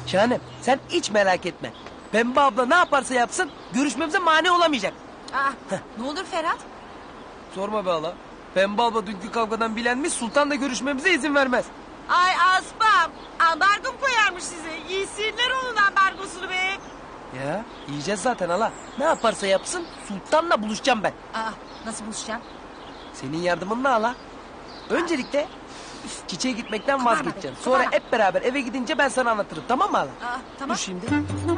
Şahanem sen hiç merak etme. Pembe abla ne yaparsa yapsın görüşmemize mani olamayacak. Ne olur Ferhat? Sorma be hala. Pembe abla dünkü kavgadan bilenmiş Sultan da görüşmemize izin vermez. Ay Aspam. Ambargo koyarmış size. Yesinler onun ambargosunu be. Ya yiyeceğiz zaten hala. Ne yaparsa yapsın Sultan'la buluşacağım ben. Nasıl buluşacağım? Senin yardımınla hala. Öncelikle çiçeğe gitmekten vazgeçeceğim. Sonra Kabarma. hep beraber eve gidince ben sana anlatırım, tamam mı hala? Tamam. Dur şimdi.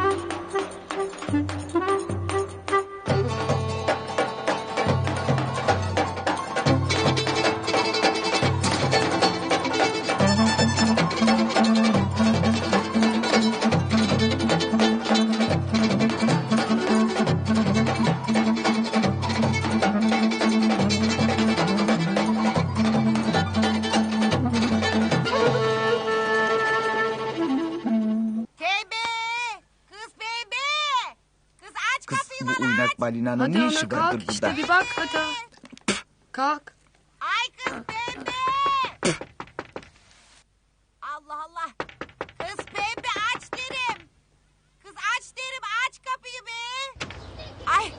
Bebe! Kız bebe! Kız aç Kız kapıyı bu bana uynak aç. balinanın Hadi ne ana işi kalk vardır burada? işte bir bak hadi. Kalk. Ay kız bebe! Allah Allah! Kız bebe aç derim. Kız aç derim aç kapıyı be. Ay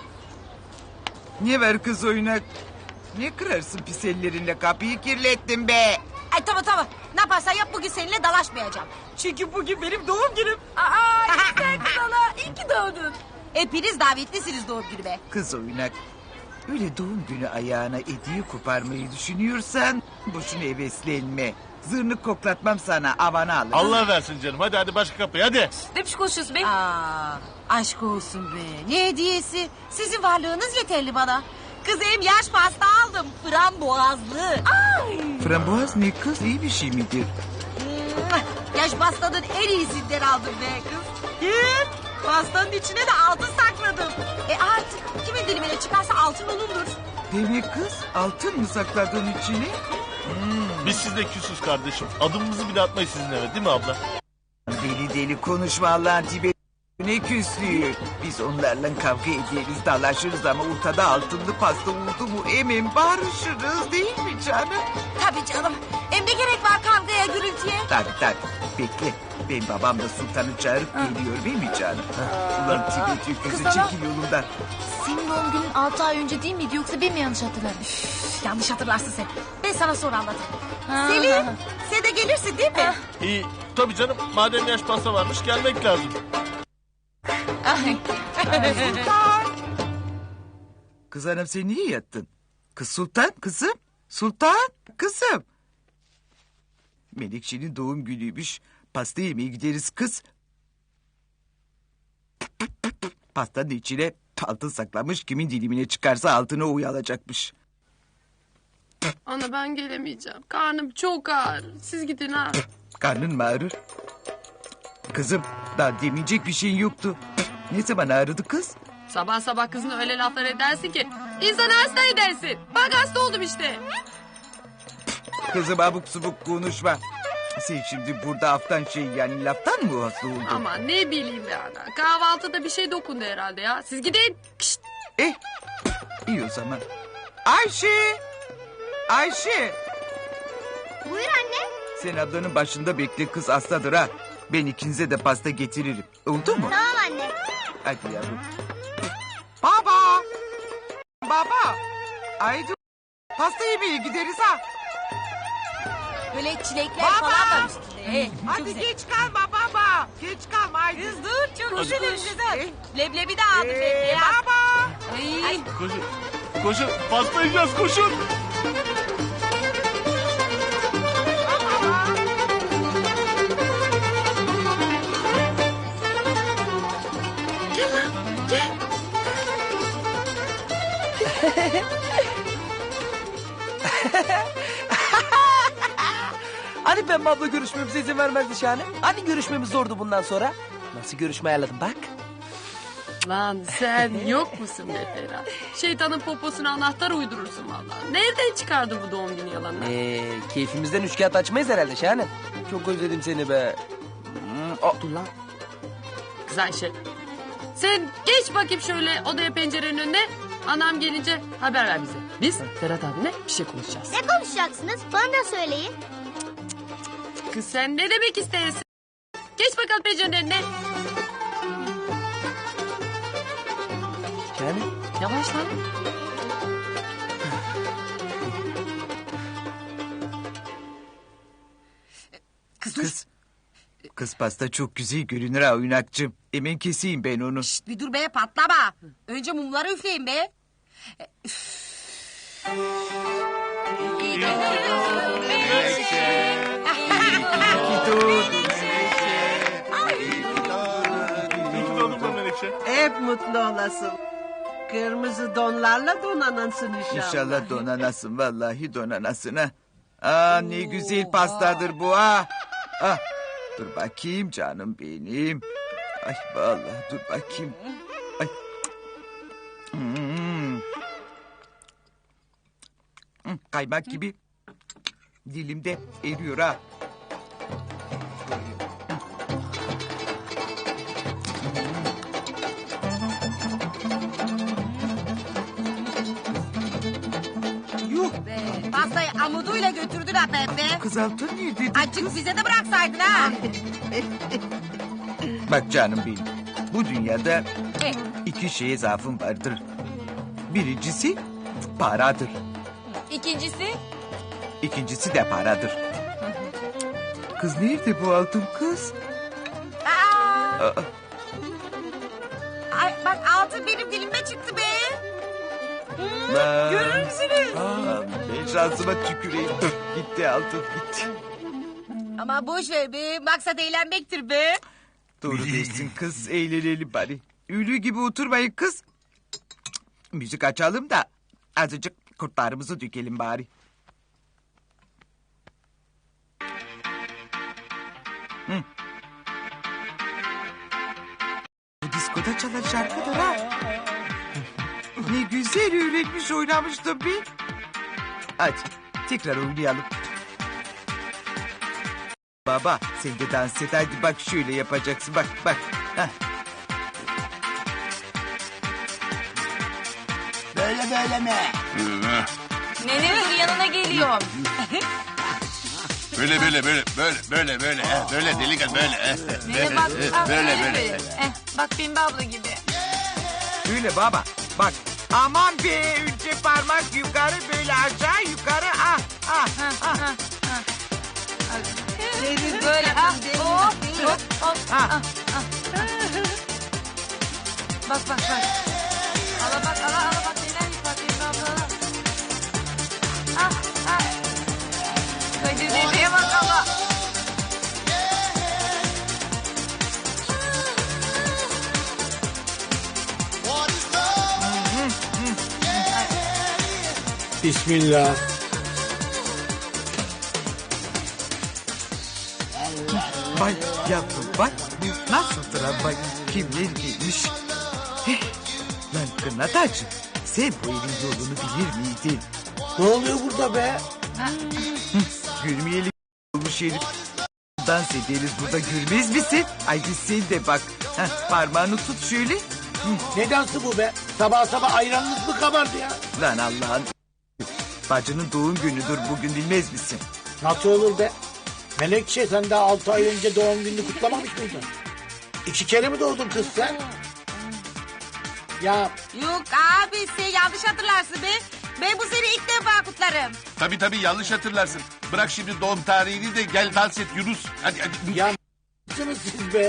Ne var kız oynak? Ne kırarsın pis ellerinle kapıyı kirlettin be. Ay tamam. Ne yaparsan yap bugün seninle dalaşmayacağım. Çünkü bugün benim doğum günüm. Sen kız hala. İyi ki doğdun. Hepiniz davetlisiniz doğum günüme. Kız oynak. Öyle doğum günü ayağına hediye koparmayı düşünüyorsan boşuna heveslenme. Zırnık koklatmam sana avana alır. Allah versin canım. Hadi başka kapıyı hadi. Ne biçim konuşuyorsun be? Aşk olsun be. Ne hediyesi? Sizin varlığınız yeterli bana. Kızım yaş pasta aldım. Frambuazlı. Frambuaz ne kız iyi bir şey midir? Yaş pastanın en iyisinden aldım be kız. Gel. Pastanın içine de altın sakladım. Artık kimin dilimine çıkarsa altın olundur. Demek kız altın mı sakladın içine? Biz sizle küsüz kardeşim. Adımımızı bile atmayız sizin eve değil mi abla? Deli deli konuşma Allah'ın tibi. Ne küslüğü. Biz onlarla kavga ederiz, dalaşırız ama ortada altınlı pasta oldu mu emin barışırız değil mi canım? Tabii canım. Hem ne gerek var kavgaya gürültüye? Tabii. Bekle. Ben babam da sultanı çağırıp geliyor değil mi canım? Ulan Tibet öküzü kız ana. çekil yolundan. Senin doğum günün 6 ay önce değil miydi yoksa ben mi yanlış hatırladım? Yanlış hatırlarsın sen. Ben sana sonra anlatırım. Selim sen de gelirsin değil mi? İyi. Tabii canım. Madem yaş pasta varmış gelmek lazım. Kız hanım sen niye yattın? Kız sultan kızım. Sultan kızım. Melekşe'nin doğum günüymüş. Pasta yemeye gideriz kız. Pastanın içine altın saklamış. Kimin dilimine çıkarsa altına uyalacakmış. Ana ben gelemeyeceğim. Karnım çok ağır. Siz gidin ha. Karnın mı ağrır? Kızım daha demeyecek bir şeyin yoktu. Ne zaman ağrıdı kız? Sabah sabah kızına öyle laflar edersin ki insanı hasta edersin. Bak hasta oldum işte. Kızım abuk subuk konuşma. Sen şimdi burada haftan yani laftan mı hasta oldun? Ama ne bileyim be ana. Kahvaltıda bir şey dokundu herhalde ya. Siz gidin. Kişt. İyi o zaman. Ayşe! Ayşe! Buyur anne. Sen ablanın başında bekle kız hastadır ha. Ben ikinize de pasta getiririm. Oldu mu? Tamam anne. Hadi yavrum. Baba! Baba! Haydi pasta yemeye gideriz ha. Böyle çilekler Baba! falan var üstünde. Çok Hadi güzel. geç kalma baba. Geç kalma haydi. Kız dur çok güzel güzel. Leblebi de aldım Ee, leblebi. baba! Ay. Koşun. Koşun. Pasta yiyeceğiz koşun. Hani Pembe abla görüşmemize izin vermezdi Şahane? Hani görüşmemiz zordu bundan sonra? Nasıl görüşme ayarladım bak. Lan sen yok musun be Ferhat? Şeytanın poposuna anahtar uydurursun vallahi. Nereden çıkardın bu doğum günü yalanını? Keyfimizden üç kağıt açmayız herhalde Şahane. Çok özledim seni be. Dur lan. Kız Ayşe. Sen geç bakayım şöyle odaya pencerenin önüne. Anam gelince haber ver bize. Biz Ferhat abine bir şey konuşacağız. Ne konuşacaksınız? Bana da söyleyin. Kız sen ne demek istersin? Geç bakayım. bakalım pencerenin önüne. Yani Yavaş lan. Kız. Kız pasta çok güzel görünür ha oynakçım. Hemen keseyim ben onu. Şşt, bir dur be patlama. Önce mumları üfleyin be. İyi ki doğdun be Menekşe. Hep mutlu olasın. Kırmızı donlarla donanasın inşallah. İnşallah donanasın vallahi donanasın ha. Aa ne güzel pastadır bu ha. Ah, dur bakayım canım benim. Ay vallahi dur bakayım. Ay. Hmm. Kaymak gibi dilimde eriyor ha. Yuh Be, pastayı amuduyla götürdüler Pepe. kız altın nerede? Açık bize de bıraksaydın ha. Bak canım benim. Bu dünyada E, iki şeye zaafım vardır. Birincisi paradır. İkincisi? İkincisi de paradır. Kız nerede bu altın kız? Aa, Aa, ay, bak altın benim dilime çıktı be. lan. Görür müsünüz? Aa, ben şansıma tüküreyim. Gitti altın gitti. Ama boş ver be. Maksat eğlenmektir be. Doğru dersin kız. Eğlenelim bari. Ülü gibi oturmayın kız. Müzik açalım da azıcık kurtlarımızı dökelim bari. Hı. Bu diskoda çalan şarkıdır ha. Ne güzel öğretmiş oynamıştım bir. Hadi tekrar oynayalım. Baba sen de dans et hadi bak şöyle yapacaksın bak bak. Heh. Nene dur yanına geliyorum. Böyle delikat böyle. Nene bak. Böyle. Bak Pembe abla gibi. Öyle baba bak aman be önce parmak yukarı böyle aşağı yukarı ah ah ah. Böyle hop hop. ah. Bak. Ala bak neler yapar Pembe abla. Kadir dedeye bak ala. Bismillah. Bak yavrum bak bu nasıldır ha bak kimler gelmiş. Heh, lan Kırnatacı sen bu evin yolunu bilir miydin? Ne oluyor burada be? Gülmeyeli olmuş herif. Dans ederiz burada görmez misin? Ay biz sen de bak. Heh, parmağını tut şöyle. Ne dansı bu be? Sabah sabah ayranınız mı kabardı ya? Lan Allah'ın bacının doğum günüdür bugün bilmez misin? Nasıl olur be? Melekçe sen daha 6 ay önce doğum gününü kutlamamış mıydın? 2 kere mi doğdun kız sen? Ya Yok abi sen yanlış hatırlarsın be. Ben bu sene ilk defa kutlarım. Tabii yanlış hatırlarsın. Bırak şimdi doğum tarihini de gel dans et Yunus. Hadi. ya mısınız siz be?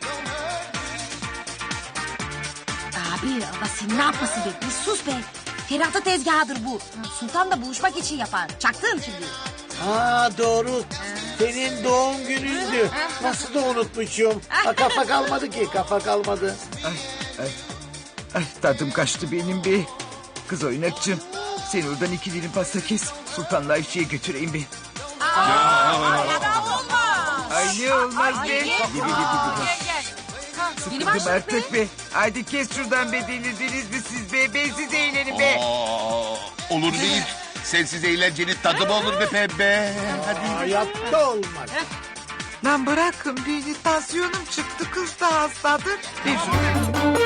Abi Allah sen ne yapmasın be? Bir sus be. Ferhat'ın tezgahıdır bu. Sultan da buluşmak için yapar. Çaktın şimdi. Ha doğru. Senin doğum günündü. Nasıl da unutmuşum. Ha, kafa kalmadı ki kafa kalmadı. Ay tadım kaçtı benim be. Kız oynakçım. Sen oradan 2 dilim pasta kes. Sultanla Ayşe'ye götüreyim be. Ay ne olmaz be. Sıkıldım artık be. Haydi kes şuradan be delirdiniz mi siz be. Bensiz eğlenin be. Olur değil. Sensiz eğlencenin tadı mı olur be pembe? Hadi. Hayatta olmaz. Lan bırakın beni tansiyonum çıktı kız da hastadır. Ver şunu.